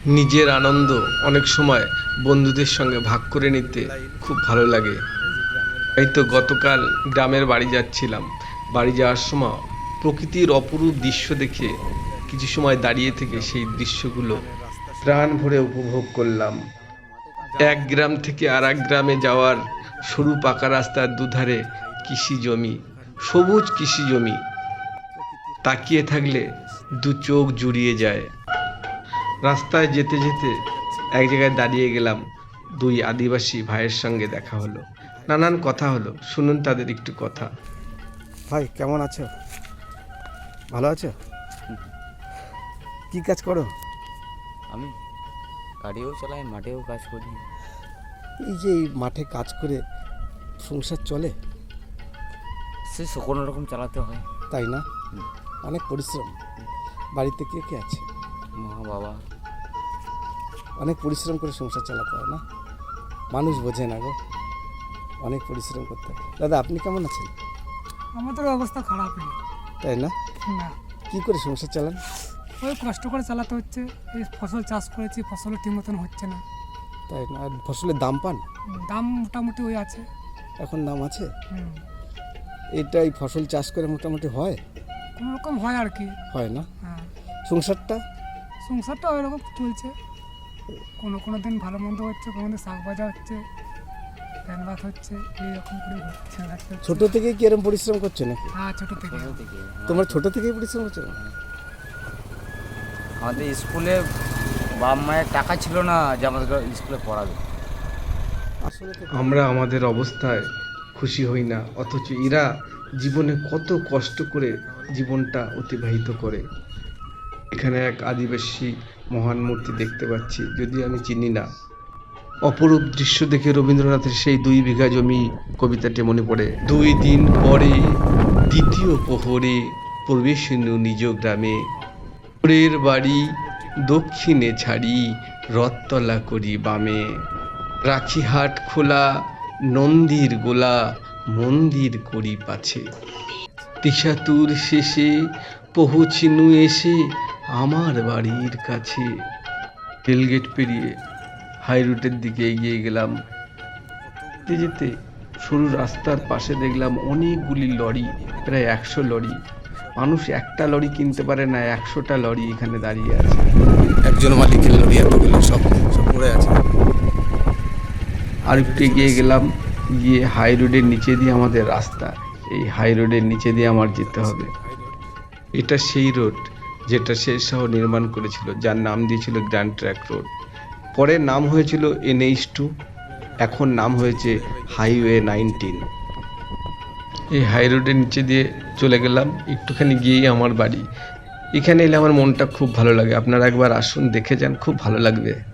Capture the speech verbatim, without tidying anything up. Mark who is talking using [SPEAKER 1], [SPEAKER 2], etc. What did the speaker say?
[SPEAKER 1] নিজের আনন্দ অনেক সময় বন্ধুদের সঙ্গে ভাগ করে নিতে খুব ভালো লাগে। এই তো গতকাল গ্রামের বাড়ি যাচ্ছিলাম। বাড়ি যাওয়ার সময় প্রকৃতির অপরূপ দৃশ্য দেখে কিছু সময় দাঁড়িয়ে থেকে সেই দৃশ্যগুলো প্রাণ ভরে উপভোগ করলাম। এক গ্রাম থেকে আর এক গ্রামে যাওয়ার সরু পাকা রাস্তার দুধারে কৃষি জমি, সবুজ কৃষি জমি, তাকিয়ে থাকলে দু চোখ জুড়িয়ে যায়। রাস্তায় যেতে যেতে এক জায়গায় দাঁড়িয়ে গেলাম, দুই আদিবাসী ভাইয়ের সঙ্গে দেখা হলো, নানান কথা হলো। শুনুন তাদের একটু কথা।
[SPEAKER 2] ভাই কেমন আছো? ভালো আছো? কি কাজ করো?
[SPEAKER 3] আমি গাড়িও চালাই, মাঠেও কাজ করি।
[SPEAKER 2] এই যে এই মাঠে কাজ করে সংসার চলে,
[SPEAKER 3] সে কোনো রকম চালাতে হয়।
[SPEAKER 2] তাই না? অনেক পরিশ্রম। বাড়িতে কে কে আছে?
[SPEAKER 3] মা বাবা।
[SPEAKER 2] অনেক পরিশ্রম করে সংসার চালাতে হয় না? মানুষ বোঝে না গো, অনেক পরিশ্রম করতে হয়। দাদা আপনি কেমন আছেন?
[SPEAKER 4] আমাদের অবস্থা খারাপ নেই।
[SPEAKER 2] তাই না?
[SPEAKER 4] না,
[SPEAKER 2] কি করে সংসার চালান?
[SPEAKER 4] ওই কষ্ট করে চালাতে হচ্ছে। এই ফসল চাষ করেছি, ফসল ঠিক মতন হচ্ছে না।
[SPEAKER 2] তাই না? আর ফসলের দাম পান?
[SPEAKER 4] দাম মোটামুটি ওই আছে।
[SPEAKER 2] এখন দাম আছে?
[SPEAKER 4] হুম,
[SPEAKER 2] এটা এই ফসল চাষ করে মোটামুটি হয়?
[SPEAKER 4] কোনো রকম হয় আর কি।
[SPEAKER 2] হয় না?
[SPEAKER 4] হ্যাঁ,
[SPEAKER 2] সংসারটা
[SPEAKER 4] সংসারটা ওই রকম চলছে। কোনো কোনো দিন ভালো মন্দ হচ্ছে, কোনো দিন শাক ভাজা হচ্ছে, ধান ভাত হচ্ছে, এইরকম করে হচ্ছে।
[SPEAKER 2] ছোট থেকে কি এরকম পরিশ্রম করছে নাকি?
[SPEAKER 4] হ্যাঁ, ছোটো থেকে।
[SPEAKER 3] ছোটো থেকে
[SPEAKER 2] তোমরা ছোট থেকেই পরিশ্রম করছো?
[SPEAKER 3] আমাদের স্কুলে বাপ মায়ের টাকা ছিল না যে আমাদেরকে স্কুলে পড়াবে।
[SPEAKER 2] আসলে তো
[SPEAKER 1] আমরা আমাদের অবস্থায় খুশি হই না, অথচ এরা জীবনে কত কষ্ট করে জীবনটা অতিবাহিত করে। এখানে এক আদিবাসী মহান মূর্তি দেখতে পাচ্ছি, যদিও আমি চিনি না। অপরূপ দৃশ্য দেখে রবীন্দ্রনাথের সেই দুই বিঘা জমি কবিতাটি মনে পড়ে। দুই দিন পরে দ্বিতীয় প্রহরে প্রবেশিনু নিজ গ্রামে, পরের বাড়ি দক্ষিণে ছাড়ি রথতলা করি বামে, রাখি হাট খোলা নন্দীর গোলা মন্দির করি পাছে, তিসাতুর শেষে পৌঁছিনু এসে আমার বাড়ির কাছে। রেলগেট পেরিয়ে হাই রুটের দিকে এগিয়ে গেলাম। যেতে যেতে সরু রাস্তার পাশে দেখলাম অনেকগুলি লরি, প্রায় একশো লরি। মানুষ একটা লরি কিনতে পারে না, একশোটা লরি এখানে দাঁড়িয়ে আছে।
[SPEAKER 2] একজন মালিকের লরি এতগুলো সব সব পড়ে আছে।
[SPEAKER 1] আর একটু এগিয়ে গেলাম, গিয়ে হাই রোডের নিচে দিয়ে আমাদের রাস্তা, এই হাই রোডের নিচে দিয়ে আমার যেতে হবে। এটা সেই রোড যেটা শেষ শহর নির্মাণ করেছিল, যার নাম দিয়েছিল গ্র্যান্ড ট্র্যাক রোড। পরে নাম হয়েছিল এনএইচ টু, এখন নাম হয়েছে হাইওয়ে নাইনটিন। এই হাই রোডের নিচে দিয়ে চলে গেলাম, একটুখানি গিয়েই আমার বাড়ি। এখানে এলে আমার মনটা খুব ভালো লাগে। আপনারা একবার আসুন, দেখে যান, খুব ভালো লাগবে।